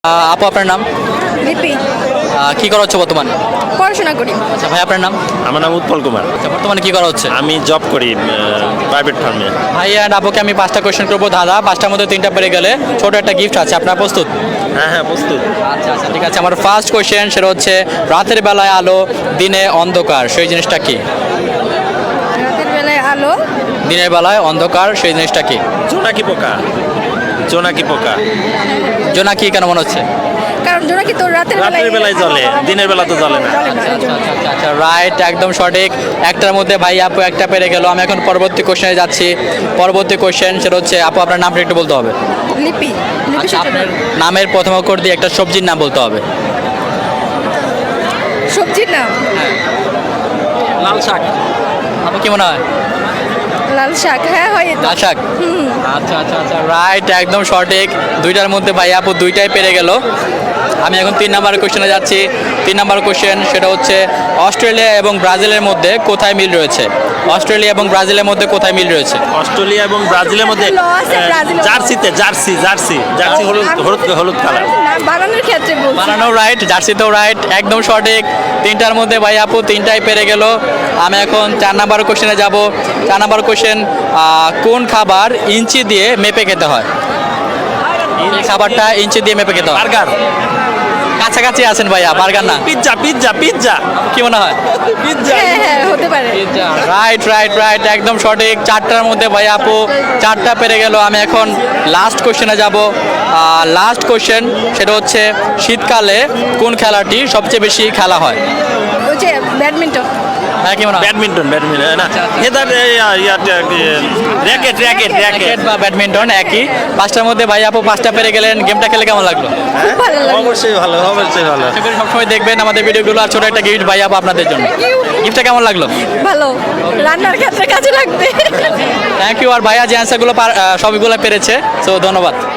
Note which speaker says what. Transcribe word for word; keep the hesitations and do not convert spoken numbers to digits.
Speaker 1: আহ, আপু আপনার নাম?
Speaker 2: লিপি।
Speaker 1: আহ, কি করা হচ্ছে বর্তমানে?
Speaker 2: পড়াশোনা করি।
Speaker 1: আচ্ছা ভাই আপনার নাম?
Speaker 3: আমার নাম উৎপল কুমার।
Speaker 1: আচ্ছা বর্তমানে কি করা হচ্ছে?
Speaker 3: আমি জব করি প্রাইভেট ফার্মে।
Speaker 1: ভাই অ্যান্ড আপুকে আমি পাঁচটা কোয়েশ্চেন করবো দাদা, পাঁচটার মধ্যে তিনটা পেরে গেলে ছোট একটা গিফট আছে, আপনার প্রস্তুত?
Speaker 3: হ্যাঁ হ্যাঁ প্রস্তুত।
Speaker 1: আচ্ছা আচ্ছা ঠিক আছে। আমার ফার্স্ট কোয়েশ্চেন সেটা হচ্ছে রাতের বেলায় আলো দিনে অন্ধকার সেই জিনিসটা কি?
Speaker 2: রাতের বেলায় আলো,
Speaker 1: দিনের বেলায় অন্ধকার সেই জিনিসটা কি?
Speaker 3: জোনাকি পোকা। জোনাকি পোকা
Speaker 1: জোনাকি কেন মনে হচ্ছে?
Speaker 2: কারণ জোনাকি তো রাতের বেলায়
Speaker 3: রাতের বেলায় জ্বলে, দিনের বেলা তো জ্বলে না।
Speaker 2: জ্বলে না, এই জন্য।
Speaker 1: আচ্ছা আচ্ছা আচ্ছা রাইট, একদম সঠিক। একটার মধ্যে ভাই আপু একটা পেরে গেল। আমি এখন পরবর্তী কোশ্চেনে যাচ্ছি। পরবর্তী কোশ্চেন সেটা হচ্ছে আপু আপনার নামটা একটু বলতে হবে।
Speaker 2: লিপি। লিপি
Speaker 1: আচ্ছা আপনার
Speaker 2: সূত্র।
Speaker 1: নামের প্রথম অক্ষর দিয়ে একটা সবজির নাম বলতে হবে।
Speaker 2: সবজির নাম
Speaker 1: লাল শাক। আপু কি মনে হয়?
Speaker 2: লাল শাক। হ্যাঁ হয় তো।
Speaker 1: লাল শাক।
Speaker 2: হুম।
Speaker 1: আচ্ছা আচ্ছা আচ্ছা রাইট, একদম সঠিক। দুইটার মধ্যে ভাই আপু দুইটাই পেরে গেল। আমি এখন তিন নাম্বার কোশ্চেনে যাচ্ছি। তিন নাম্বার কোশ্চেন সেটা হচ্ছে অস্ট্রেলিয়া এবং ব্রাজিলের মধ্যে কোথায় মিল রয়েছে? অস্ট্রেলিয়া এবং ব্রাজিলের মধ্যে কোথায় মিল রয়েছে?
Speaker 3: অস্ট্রেলিয়া এবং ব্রাজিলের মধ্যে
Speaker 2: ল আছে,
Speaker 3: আহ,
Speaker 2: ব্রাজিল।
Speaker 3: জার্সিতে জার্সি জার্সি জার্সি হলুদ হলুদ হলুদ কালার।
Speaker 2: না, বানানোর ক্ষেত্রে বলছি।
Speaker 1: বানানো রাইট, জার্সিতেও রাইট, একদম সঠিক। তিনটার মধ্যে ভাই আপু তিনটাই পেরে গেল। আমি এখন চার নাম্বার কোশ্চেনে যাব। চার নাম্বার কোশ্চেন, কোন খাবার ইঞ্চি দিয়ে মেপে খেতে হয়? এই খাবারটা ইঞ্চি দিয়ে মেপে খেতে হয়।
Speaker 3: বার্গার।
Speaker 1: কাছাকাছি আছেন ভাইয়া, বার্গার না।
Speaker 3: পিৎজা পিৎজা পিৎজা
Speaker 1: কি মনে হয়?
Speaker 3: পিৎজা।
Speaker 2: হ্যাঁ হ্যাঁ হতে পারে।
Speaker 1: রাইট রাইট রাইট, একদম সঠিক। চারটার মধ্যে ভাই আপু চারটা পেরে গেল। আমি এখন লাস্ট কোশ্চেনে যাব। লাস্ট কোশ্চেন সেটা হচ্ছে শীতকালে কোন খেলাটি সবচেয়ে বেশি খেলা হয়?
Speaker 2: ওই যে ব্যাডমিন্টন।
Speaker 1: হ্যাঁ কি মনে হয়?
Speaker 3: ব্যাডমিন্টন ব্যাডমিন্টন না
Speaker 1: আচ্ছা, আচ্ছা।
Speaker 3: হেদার র্যাকেট র্যাকেট র্যাকেট।
Speaker 1: ক্রিকেট বা ব্যাডমিন্টন একই। পাঁচটার মধ্যে ভাই আপু পাঁচটা পেরে গেলেন। গেমটা খেলে কেমন লাগলো?
Speaker 2: খুব ভালো লাগে।
Speaker 3: অবশ্যই ভালো অবশ্যই ভালো।
Speaker 1: আশা করি সবসময় দেখবেন আমাদের ভিডিওগুলো। আর ছোট একটা গিফট ভাই আপু আপনাদের জন্য। গিফটটা কেমন লাগলো?
Speaker 2: ভালো, রান্নার ক্ষেত্রে কাজে লাগবে।
Speaker 1: Thank you. আর ভাইয়া যে অ্যান্সারগুলো সবগুলো পেরেছে, সো ধন্যবাদ।